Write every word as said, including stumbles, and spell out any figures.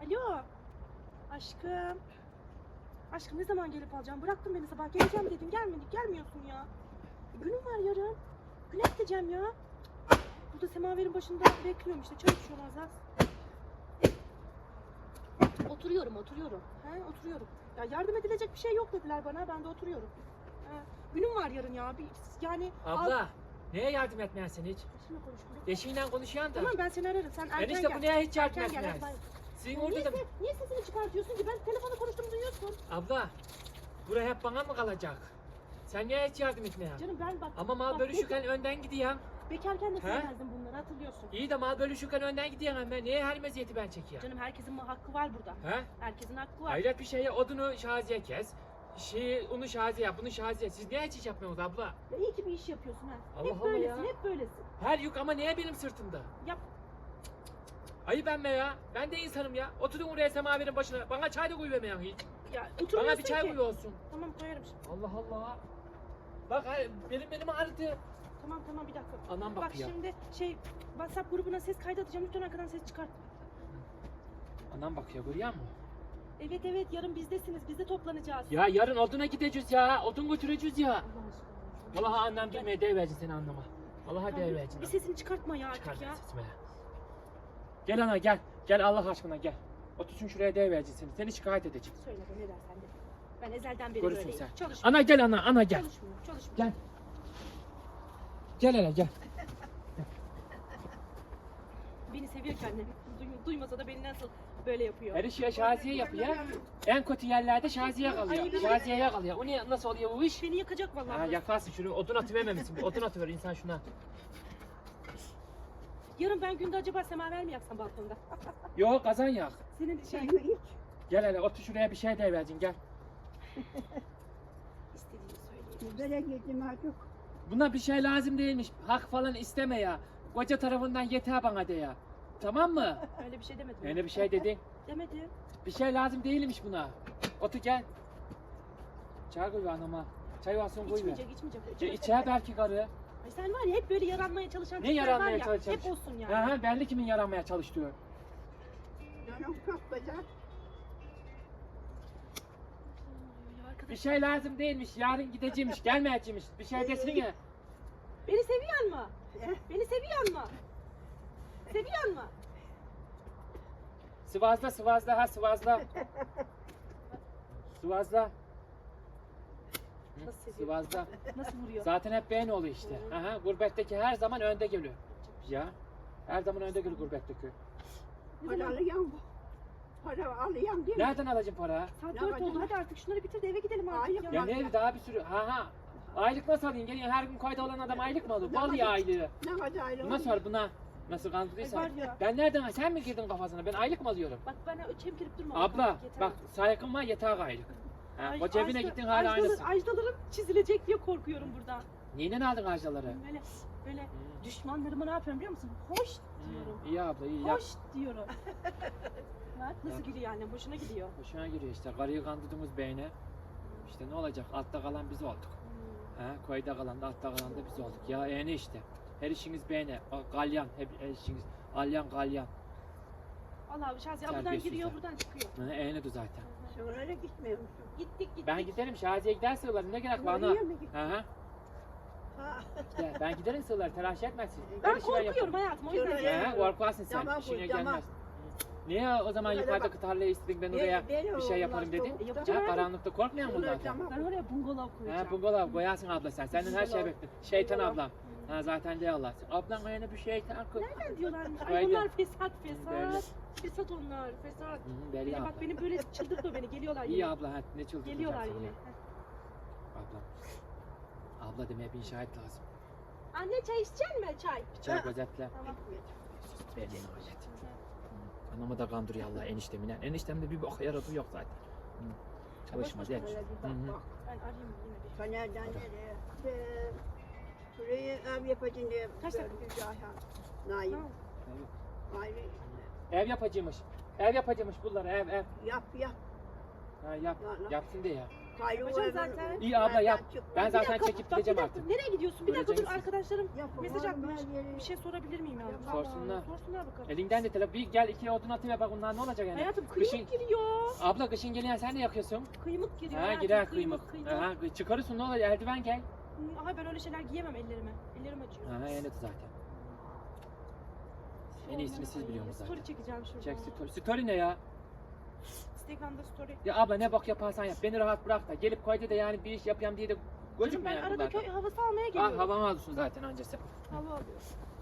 Alo. Aşkım. Aşkım ne zaman gelip alacağım? Bıraktın beni sabah. Geleceğim dedin. Gelmedik. Gelmiyorsun ya. E, günüm var yarın. Güne gideceğim ya. Burada semaverin başında bekliyorum işte. Çay içiyorum az az. Oturuyorum oturuyorum. He oturuyorum. Ya yardım edilecek bir şey yok dediler bana. Ben de oturuyorum. He, günüm var yarın ya. Bir, yani Abla al... neye yardım etmeyesin hiç? Eşimle konuştum. Eşiyle konuşuyorsun da. Tamam ben seni ararım. Sen erken Enişte gel. bu neye hiç yardım Erken gel. etmeyesin? hadi bay. Sizin Ya orada niye, da... se- niye sesini çıkartıyorsun ki? Ben telefonla konuştuğumu duyuyorsun. Abla, buraya hep bana mı kalacak? Sen niye hiç yardım etmeyen? Canım ben bak. Ama mal bak, bölüşürken önden gidiyorsun. Bekarken de He? sevmezdim bunları hatırlıyorsun. İyi de mal bölüşürken önden gidiyorsun ama niye her meziyeti ben çekiyorum? Canım herkesin hakkı var burada. He? Herkesin hakkı var. Hayret bir şeye odunu şaziye kes. Şeyi, onu şaziye yap, bunu şaziye. Siz niye hiç iş yapmıyorsunuz abla? Ya iyi ki bir iş yapıyorsun ha. Allah hep Allah böylesin, ya. hep böylesin. Her yük ama niye benim sırtımda? Yap. Ayıp ben be ya. Ben de insanım ya. Oturdun oraya semaverin başına. Bana çay da koyuvermeyen hiç. Ya Bana oturmuyorsun bir çay ki. koy olsun. Tamam koyarım şimdi. Allah Allah. Bak hay- benim benim ağrıdı. Tamam tamam bir dakika. Anam Bak bakıyor. şimdi şey WhatsApp grubuna ses kaydı atacağım. Lütfen arkadan ses çıkart. Anam bakıyor görüyor musun? Evet evet yarın bizdesiniz. Biz de toplanacağız. Ya yarın oduna gideceğiz ya. Odun götüreceğiz ya. Allah aşkına. Vallahi annem bilmeye deyiversin seni anneme. Vallahi Tamam, deyiversin. bir sesini çıkartma ya artık Çıkar ya. sesime. Gel ana gel. Gel Allah aşkına gel. Otursun şuraya deyiversin seni. Seni şikayet edeceğim. Söyle be ne dersen de. Ben ezelden beri Görürsün böyleyim. sen. Çalışmıyorum. Ana gel ana ana gel. Çalışmıyorum. Çalışmıyorum. Gel. Gel hele gel. Beni seviyor ki annem. Duy- duymasa da beni nasıl böyle yapıyor. Her işi ya Şaziye yapıyor. En kötü yerlerde Şaziye kalıyor. Ay, Şaziye'ye kalıyor. O ne nasıl oluyor bu iş? Beni yakacak vallahi. Ha yakarsın şunu odun atıvermemişsin. Bir odun atıver insan şuna. Yarın ben günde acaba semaver mi yaksam balkonda? Yok kazan yak. Senin şey Çayı iç. Gel hele otur şuraya bir şey deyiversin gel. istediğini söyleyeyim. Böyle girdim artık. Buna bir şey lazım değilmiş. Hak falan isteme ya. Koca tarafından yeter bana de ya. Tamam mı? Öyle bir şey demedim. Öyle bir şey dedin. Demedim. Bir şey lazım değilmiş buna. Otur gel. Çay koy anama. Çay alsın koy ver. İçmeyecek, içmeyecek. Ya içmeyecek. içer belki karı. Ay sen var ya hep böyle yaranmaya çalışan Ne tipler var yaranmaya ya, çalışan? hep olsun yani. Ha ha belli kimin yaranmaya çalıştığı. Canım çok güzel. Ay, arkadaş, Bir şey lazım değilmiş. Yarın gideceğimmiş. Gelmeyeceğimmiş. Bir şey desene. Beni seviyor mu? Eh, Beni seviyor mu? Seviyor mu? Sıvazla sıvazla ha sıvazla. Sıvazla. Hı, Nasıl seviyor? Sıvazla. Nasıl vuruyor? Zaten hep beğen oluyor işte. Aha, gurbetteki her zaman önde geliyor. Ya. Her zaman önde geliyor gurbetteki. Ne Para zaman? alıyorum. Para alıyorum değil mi? Nereden alacağım para? Saat Ne dört yapacağız? oldu hadi artık şunları bitir de eve gidelim artık Ayıp ya. Ya ne daha bir sürü. Ha ha. Aylık nasıl alayım? Geliyor her gün kayda olan adam aylık mı alır? Ne Bal ya yapacağız? aylığı. Ne kadar ayrı Buna sor buna. Nasıl kandırdıysan. Ay var ya. Ben nereden? Sen mi girdin kafasına? Ben aylık mı alıyorum? Bak bana çemkirip durma. Abla Yeter bak artık. saygın var yeter aylık. Ha, Ay, o cebine ajda- gittin hala ajdalar- aynısın. Ajdalarım çizilecek diye korkuyorum buradan. Neyden aldın harcaları? Böyle böyle Hmm. düşmanlarıma ne yapıyorum biliyor musun? Hoş diyorum. İyi abla iyi yap. Hoş diyorum. Bak nasıl Yap. gidiyor annem hoşuna gidiyor. Hoşuna giriyor işte. Karıyı kandırdığımız beyne. İşte ne olacak? Altta kalan biz olduk. Hmm. Ha, koyda kalan da altta kalan da biz olduk. Ya eğne işte. Her işiniz beğene. O Galyan. Hep her işiniz. Galyan galyan. Allah Şazi buradan Terbiyesizler. giriyor buradan çıkıyor. Ha, eğnedir zaten. Sonra gitmiyor musun? Gittik gittik. Ben giderim Şaziye gider sığırları ne gerek var ana? Oraya mı gittin? Hı hı. Ha. İşte ben giderim sığırları telaş etmezsin. Ben Her işi korkuyorum yaparım. hayatım o yüzden. Şöyle- geliyorum. He korkarsın sen. Tamam, İşine tamam. gelmez. Niye o zaman Şöyle yukarıda bak. tarlaya istedin ben oraya Beni- beni bir şey onlar yaparım dedin? soğukta- E, yapacağım Ha, abi. karanlıkta korkmayan Şöyle bunlardan. tamam. Ben oraya bungalov koyacağım. Ha bungalov koyarsın abla sen. Senden her şey Bungalov. bekle. Şeytan Bungalov. ablam. Ha zaten de Allah'sın. Ablan ayağına bir şeytan koy. Nereden diyorlarmış? Ay Böyle. onlar fesat fesat. Böyle. Fesat onlar fesat. Hı, belli Ya abla. bak beni böyle çıldırtma beni geliyorlar yine. İyi abla ha ne çıldırtacağım Geliyorlar sana. yine. Heh. Ablam. Abla demeye bir şahit lazım. Anne çay içecek mi çay? Bir çay Ha. gözetle. Tamam. Sus belli nihayet. Anamı da kandırıyor Allah eniştemine. Eniştemde bir bok yaratığı yok zaten. Hı. Çalışmaz boş hiç. Şöyle bir Hı hı. bak bak. Ben arayayım yine bir. Fener'den nereye? Ee, Şurayı ev yapacağım diye. Kaç dakika? gördü Ayhan. Naim. Tamam. Ayrı. Ev yapacıymış. Ev yapacıymış bunlar ev ev. Yap yap. Ha yap. La, la. Yapsın diye ya. Kaylı Yapacağım oynadın. zaten. İyi abla yap. Çık. Ben Bir zaten dakika, çekip bak, bir gideceğim dakika. artık. Nereye gidiyorsun? Bir dakika dur, Göreceksin. arkadaşlarım Yapma, mesaj oğlum, atmış. her yeri- Bir şey sorabilir miyim ya? Yapma. Sorsunlar. Sorsunlar bakalım. Elinden de telefon. Bir gel iki odun atayım bak bunlar ne olacak yani. Hayatım Kışın- kıymık giriyor. Abla kışın geliyor sen de yakıyorsun. Kıymık giriyor. Ha hayatım, girer kıymık. kıymık. Aha çıkarırsın ne olacak eldiven gel. Hı, Aha ben öyle şeyler giyemem ellerime. Ellerim acıyor. Aha öyle zaten. En iyisini siz Ay, biliyorsunuz zaten. Story çekeceğim şurada. Çek story. Story ne ya? Instagram'da story. Ya abla ne bak yaparsan yap. Beni rahat bırak da. Gelip koydu da yani bir iş yapayım diye de Canım gözükme ben yani arada bunlardan. köy havası almaya Ah geliyorum. havamı alıyorsun zaten öncesi. Hava alıyorum.